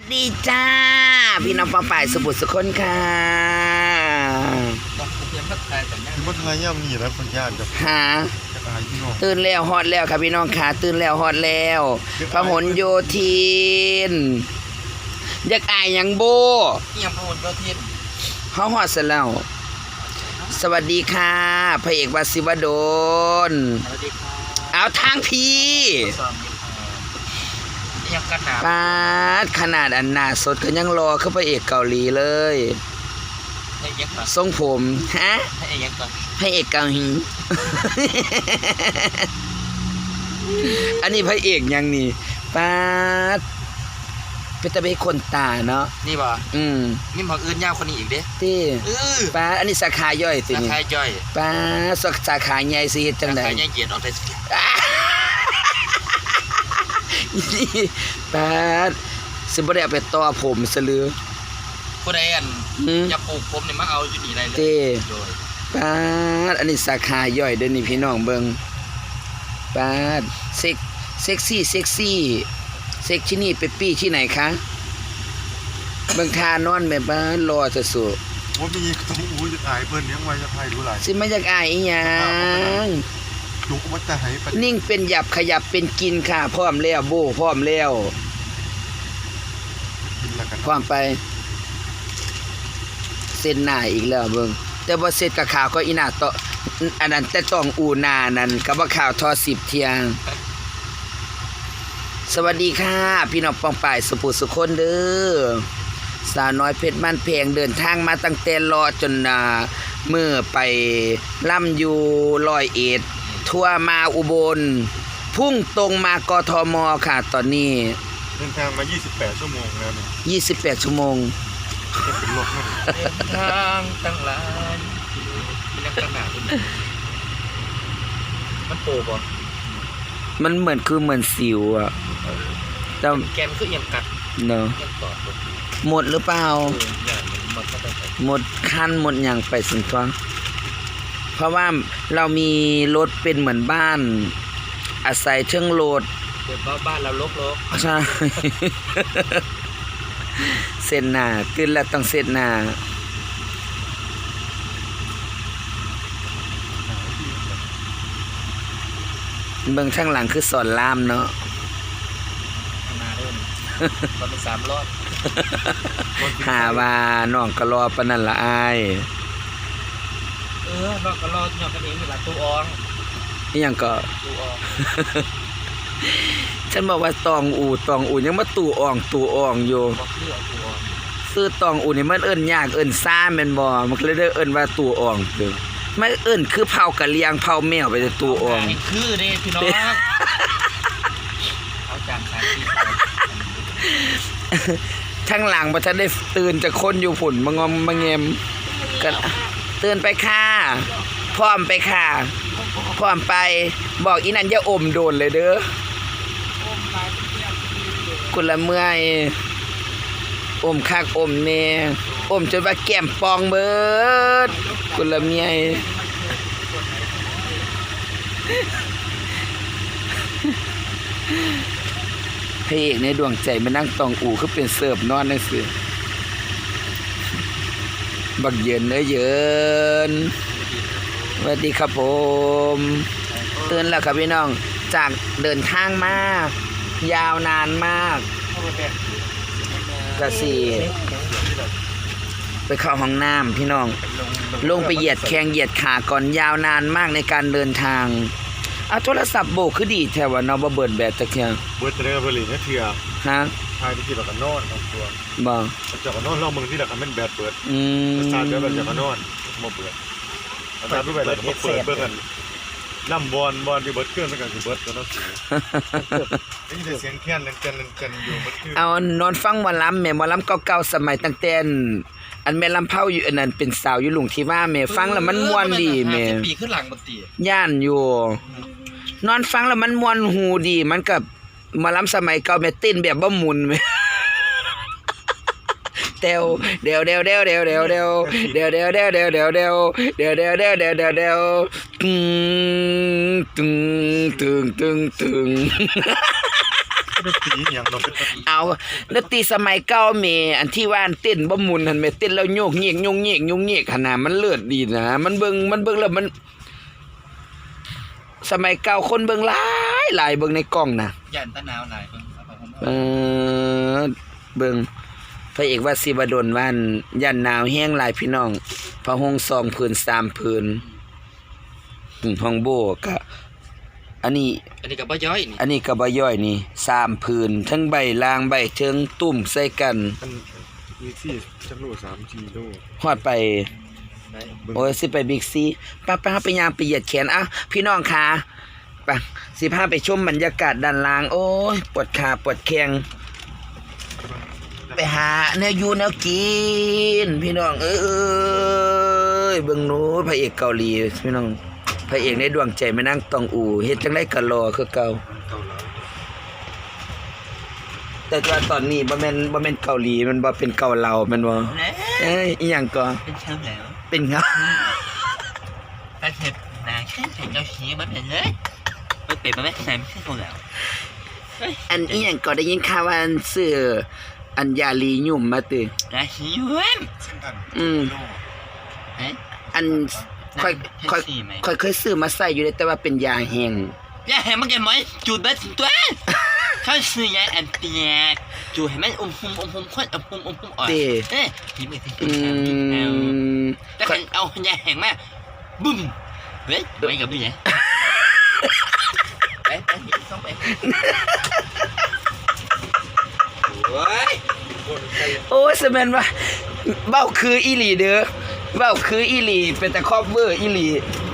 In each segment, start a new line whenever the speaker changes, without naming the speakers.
ดีจ้าพี่น้องปองป่ายสมุทรสุคนค่ะ
ต้องเตรียมพัดไทยแต่เนี่ย
มันไงย่ำนี่แล้วคนยากกับ
หา
อายพี่น้อง
ตื่นแล้วฮอดแล้วค่ะพี่น้องค่ะตื่นแล้วฮอดแล้วพหลโยธินอยากอายหยังโบ
เอี่ยมพหลโยธิน
เฮาฮอดซะแล้วสวัสดีค่ะพระเอกวสิวดล
สวัสดีครับ
เอาทางพี่
สวัสดีครับเอี่ยมกันหนา
ปาดขนาดอันหน้าสดก็ยังรอคือพระเอกเกาหลีเลย
ให้เอี่ยมก่อน
ทรงผมฮะ
ให้เอี่ยมก่อน
พระเอกเกาหลี อันนี้พระเอกยังนี่ปาดเป็นตะเบกคนตาเนาะ
นี่บ่ นี่บอกอื่นยาวคนนี้อีกเด้
ที่ ปาดอันนี้สาขาย่อยสิ
รา
นี่
คาย่อย
ปาดสาขาใหญ่สิเฮ็ดจัง
รา
ได๋
คาย่อยเหยียดออกได้สิ
ปาดสิบ่ได้เอาไปต่อผมซะหรือ
ผู้ใดอัน
อืม
จะปลูกผมเนี่ยมาเอาอยู่นี่ได้เลย
เต้
โดย
ปาดอันนี้สาขาย่อยเด้อนี่พี่น้องเบิ่งปาดเซ็กซี่เซ็กที่นี่ไปปี้ที่ไหนคะเบิ่งทานอนแม่บ้านรอจะสู้
ว่ามีต้องอู้จะอายเพิ่นยังไงจะไทยดูหลาย
สิมาอยากอายอีหยัง
จุกมันจะหายไป
นิ่งเป็นหยับขยับเป็นกินค่ะพร้อมแล้วโบพร้อมแล้ว
กินละกัน
พร้อมไปเส้นหน้าอีกแล้วเบิ่งแต่บ่เสร็จกับข่าวก็อีหน้าต่ออันนั้นแต่ต้องอูหน้านั่นก็บ่ข่าวทอ10เที่ยงสวัสดีค่ะพี่น้องปองป่ายสุภูสุคนเด้อสาวน้อยเพชรบ้านเพงเดินทางมาตั้งแต่รอจนมื้อไปล่ำอยู่101ทั่วมาอุบลพุ่งตรงมากทมค่ะตอนนี้
เดินทางมา28ชั่วโมงแล้วเนี่ย
28ชั่วโมง
จะเป็นรถนั่น
เดินทางตั้งหลายมีนักกันหนามันโปบ่
มันเหมือนสิวอ่ะแต่
แกมคือเอี่ยมกัด
เนาะ
เอี่ยมตอดบ่
หมดหรือเปล่า
อย่างมันก็ได้ไป
หมดขั้นหมดอย่างไปสินทวงเพราะว่าเรามีรถเป็นเหมือนบ้าน อาศัยเชิงโหลด
เดี๋ยวบ้านเราลก
ใช่ เส้นหน้าตื่นแล้วต้องเส้นหน้าเบิ่งข้างหลังคือสอนรามเนาะ
ๆมาเริ่มตอนเป็น3 รอบ
หาว่าน้องก็รอปานนั้นละอาย
เราก็รอหยอกกันเองเวลาตู้ออง
อีหยังก็
ตู้ออง
ฉันบอกว่าตองอูยังมาตู่อ่องอยู่
บอกเรื่องตู้ออง
ซื้อตองอูนี่มันเอิ้นยากเอิ้นซ่าแม่นบ่มันก็เลยได้เอิ้นว่าตู่อ่องเด้อไม่เอิ้นคือเผากะเลียงเผาแมวไปแต่ตู่อ่อง
คือเด้พี่น้องเอาจานขายที่
ทั้งหลังบ่ทันได้ตื่นจะคนอยู่ฝุ่นมางอมมาแงมก็ตื่นไปค่ะพร้อมไปค่ะพร้อมไปบอกอีนั่นอย่าอมโดนเลยเด้อกุละเมื่อยอมคักอมแน่อมจนว่าแก้มปองเบิดกุละเมียพระเอกในดวงใจมานั่งตองอูคือเป็นเสิร์ฟนอนนั่นสิบักเยินเยินสวัสดีครับผมตื่นแล้วครับพี่น้องจากเดินทางมากยาวนานมากกะสี่ไปเข้าห้องน้ำพี่น้องลงไปเหยียดแข้งเหยียดขาก่อนยาวนานมากในการเดินทางเอาโทรศัพท์โบกคือดีแถวว่าเนาะบ่เบิดแบตตะเคียง
เบิร์ตเตอร์เบอร์ลินเนี่ยเถื่อ
ฮะ
ทายที่แบบกันนอนของตัว
บ่
จากกันนอนลองมึงที่หลักกันเป็นแบดเบิร์ด
อืม
สตาร์ทแบบจากกันนอนมาเบิร์ดสตาร์ทด้วยแบบมาเปิดเบิร์ดกันล่ำบอลที่เบิร์ดเครื่องแล้วกันคือเบิร์ดตัวนั้นนี่จะเสียงแค้นเล่นกันอยู่เบิร์ดเครื่อง
เอานอนฟังหมอลำแม่หมอลำเก่าๆสมัยตั้งแต่อันแม่ลำเผาอยู่อันนั้นเป็นสาวอยู่หลุงที่ว่าแม่ฟังแล้วมันม่วนดีแม่
ปีขึ้นหลังบันตี
ย่านอยู่ นอนฟังแล้วมันม่วนหูดีมันกับหมอลำสมัยเก่าแม่เต้นแบบบ่หมุนแม่เดี๋ยวตึง
ดนตรีอย่างเราเป็น
เอาดนตรีสมัยเก่าแม่อันที่ว่าเต้นบ่หมุนหั่นแม่เต้นแล้วโยกเงียกโยกเงียกโยกเงียกขนาดมันเลิศดีนะมันเบิ่งแล้วมัน สมัยเก่าคนเบิ่งหลายเบิ่งในกล้องน่ะ
ย่านตะนาวหลายเพิ่นเอาไปผม
เบิ่งพระเอกว่าสิบดลว่ายันหนาวแห้งหลายพี่น้องพระหง2ผืน3ผืนห้องโบก็อันนี้
อันนี้ก็บ่ย่อยนี่
อันนี้ก็บ่ย่อยนี่3ผืนทั้งใบลางใบเทิงตุ่มใส่กัน
มันมีที่จักโล3 4โล
ฮอดไปโอ้ยสิไปบิ๊กซีป้าไปย่างไปเหยียดแขนอ่ะพี่น้องค่ะไปสิพาไปชมบรรยากาศด้านล่างโอ้ยปวดขาปวดแข้งไปหาเนื้อยูเนื้อกินพี่น้องเอ้ยเบิ่งโน้พระเอกเกาหลีพี่น้องพระเอกในดวงใจแม่นางตองอูเฮ็ดจังได๋ก็รอคือเก่าแต่ว่าตอนนี้บ่แม่นเกาหลีมันบ่เป็นเกาเหลาแม่นบ่เอ้ยอีหยังก็
เป็นเชิงแล้ว
เป็นเงา
ถ้าเห็ดนาแค่ใส่เจ้าชี้มันเป็นเลยมันเป็นมาไม่ใส่ไม่ใช่คนแล้ว
อันอีหยังก็ได้ยินข่าวว่าอันซื้ออันยาลีหยุ่มมาติ
นาชี้ย้วน เอ๊ะ
อันค่อยเคยซื้อมาใส่อยู่เลยแต่ว่าเป็นยาแห้ง
อย่าเห็นมันแกมันจูดแบบตัวเขาซื้อยาแอนเปียกจูดให้มันอมคนอมอ่อนเอ๊ะยิ้มไปสิ
อืม
แต่คันเอายาแห้งมาบึ้มเฮ้ยไม่กับพี่เนี่ยไปต้องไปโอ้ย
โอ้ยสแม่นว่าเบ้าคืออีหลีเด้อเบ้าคืออีหลีเป็นแต่ครอบเวอร์อีหลี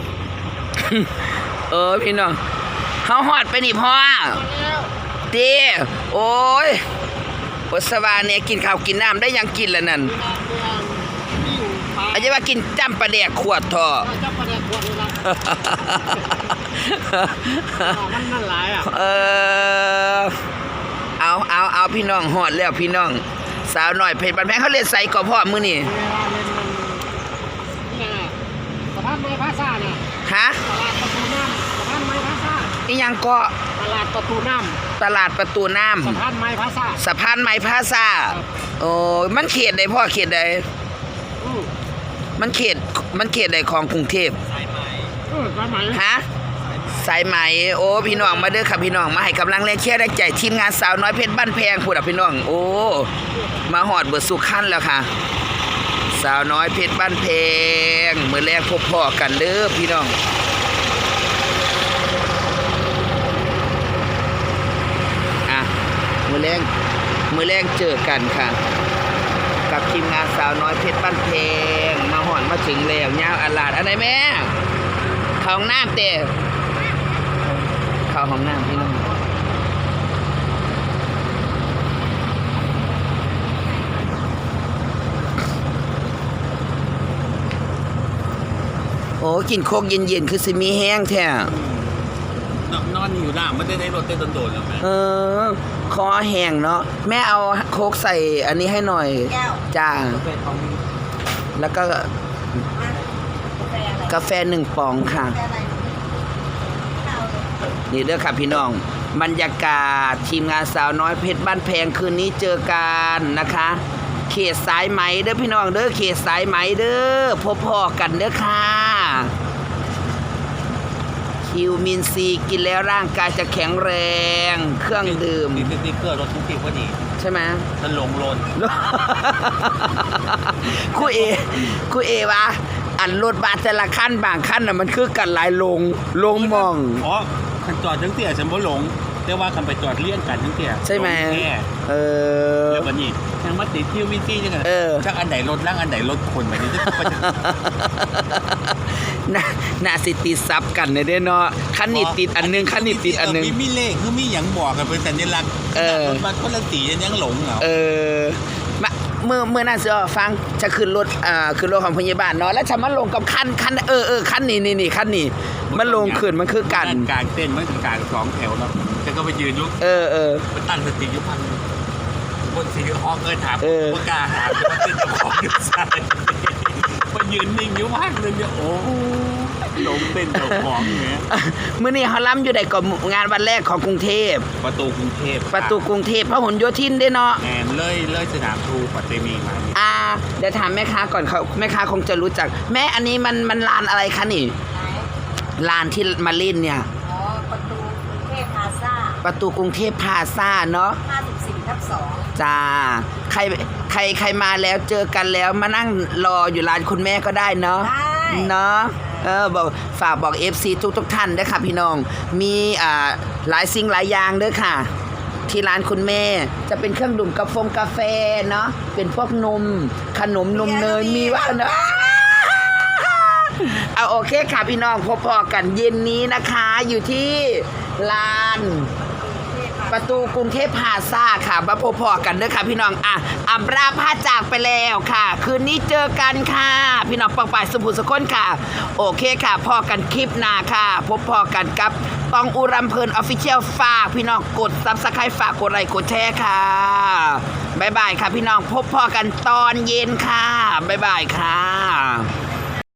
พี่น้องเฮาฮอดไปนี่พ่อเด้โอ้ยปัสสาวะเนี่ยกินข้าวกินน้ำได้ยังกินแล้วนั่นอาจจะว่ากินจ้ำปลาแดกขวดท่อ
จับประเดี๋ยวขวดเลยนะมันนั่นหลายอ่ะ
เอาพี่น้องฮอดแล้วพี่น้องสาวหน่อยเพชรบันแพงเขาเล่นใส่ก่อพ่อมื้อนี่
เวลาเล่นมันนี่ไงสะพานไม้พาซ่าเนี่ย
ฮะ
ตลาดประตูน้ำสะพานไม้พาซ่า
อีหยังก็
ตลาดประตูน้
ตลาดประตูน้
ำสะพานไม้พาซ่า
ำสะพานไม้พลาซ่าโอ้มันเขตใดพ่อเขตใด
อือ
มันเขตใดของกรุงเทพ
สายไหม
ฮะสายไหมโอ้พี่น้องมาเด้อค่ะพี่น้องมาให้กำลังแรงเชียร์แรงใจทีมงานสาวน้อยเพชรบ้านแพงพูดอ่ะพี่น้องโอ้มาหอดเบิดสุขันแล้วค่ะสาวน้อยเพชรบ้านแพงมื้อแรกพบพ่อกันเด้อพี่น้องอ่ะมื้อแรงเจอกันค่ะกับทีมงานสาวน้อยเพชรบ้านแพงมาหอดมาถึงแล้วยาวอลาดอะไรแม่เข้าห้องน้ำเต้เข้าห้องน้ำพี่น้องโอ้กินโคกเย็นๆคือสิมีแห้งแท้
นอนอยู่หน้าไม่ได้ในรถเต้นโดนๆหรอกแม่
คอแห้งเนาะแม่เอาโคกใส่อันนี้ให้หน่อยจ้าแล้วก็กาแฟ1ป๋องค่ะนี่เด้อค่ะพี่น้องบรรยากาศทีมงานสาวน้อยเพชรบ้านแพงคืนนี้เจอกันนะคะเขตสายไหมเด้อพี่น้องเด้อเขตสายไหมเด้อพบพ่อกันเด้อค่ะคิวมินซีกินแล้วร่างกายจะแข็งแรงเครื่องดื่ม
ติ๊กเกอร์รถทุกทีพอดี
ใช่ไหม
มันลงโลน
คู่เอวะอันรถบัสแต่ละขั้นบางขั้นน่ะมันคือกันหลายลงมอง
อ๋อคันจอดทั้งเตี่ยฉันบ่หลงแต่ว่าคันไปจอดเลี่ยงกันทั้งเตี่ย
ใช่ไหม
ลงแน่
เออ
แล้วบัดนี้ยังมาติดคิวมินซี่จังไง
เออ
จักอันไหนรถล่างอันไหนรถคนไปนี่จะไปจะ
น่าสิติดซับกันเด้อเนาะคันนี้ติดอันนึงคันนี้ติดอันนึง
มีเลขคือมีหยังบอกกันเป็นสัญลักษณ์
เออ
รถบัสคนละสียังหลงเหรอ
มาเมื่อนั้นสิฟังจะขึ้นรถขึ้นรถของพยาบาลเนาะแล้วฉันมาลงกับคันคันนี้คันนี้มันลงขึ้นมันคือกัน
กลางเต้นมันกลาง2แถวแล้วแต่ก็ไปยืนยุก มันตั้งสติอยู่พันบนสีฮอกถามว่ากล้าหาว่าเป็นเจ้าของอยู่ใช่มายืนนิ่งอยู่พักนึงเนี่ยโอ้หลงเต้นเจ้าของเนี่ย
มื้อนี้เขาล้ำอยู่ใดก่อนงานวันแรกของกรุงเทพ
ประตูกรุงเทพ
ประตูกรุงเทพพหลโยธินเด้เนาะ
แอนเลยสนามทูปัตเตมีมานี่
เดี๋ยวถามแม่ค้าก่อนเขาแม่ค้าคงจะรู้จัก แม่อันนี้มันลานอะไรคะนี่ลานที่มาเล่นเนี่ย
อ๋อ ประตูกรุงเทพพลาซ่า
ประตูกรุงเทพพลาซ่าเนาะ
54/2
จ้าใครมาแล้วเจอกันแล้วมานั่งรออยู่ร้านคุณแม่ก็ได้เนาะ
ได้
เนาะบอกฝากบอก FC ทุกท่านด้วยค่ะพี่น้องมีหลายสิ่งหลายอย่างด้วยค่ะ ที่ร้านคุณแม่จะเป็นเครื่องดื่มกาแฟเนาะเป็นพวกนมขนมนมเนยมีว่าเนาะเอาโอเคค่ะพี่น้องพอกันเย็นนี้นะคะอยู่ที่ลานประตูกรุงเทพพลาซ่าค่ะมาพอกันเด้อค่ะพี่น้องอัมราพาจากไปแล้วค่ะ คืนนี้เจอกันค่ะพี่น้องปองป่ายสมบูรณ์สกุลค่ะ โอเคค่ะพอกันคลิปหน้าค่ะพอกันกับตองอุรัมเพลินออฟฟิเชียลฝากพี่น้องกดซับสไครต์ฝากกดไลค์กดแชร์ค่ะบ๊ายบายค่ะพี่น้องพบกันตอนเย็นค่ะบ๊ายบายค่ะ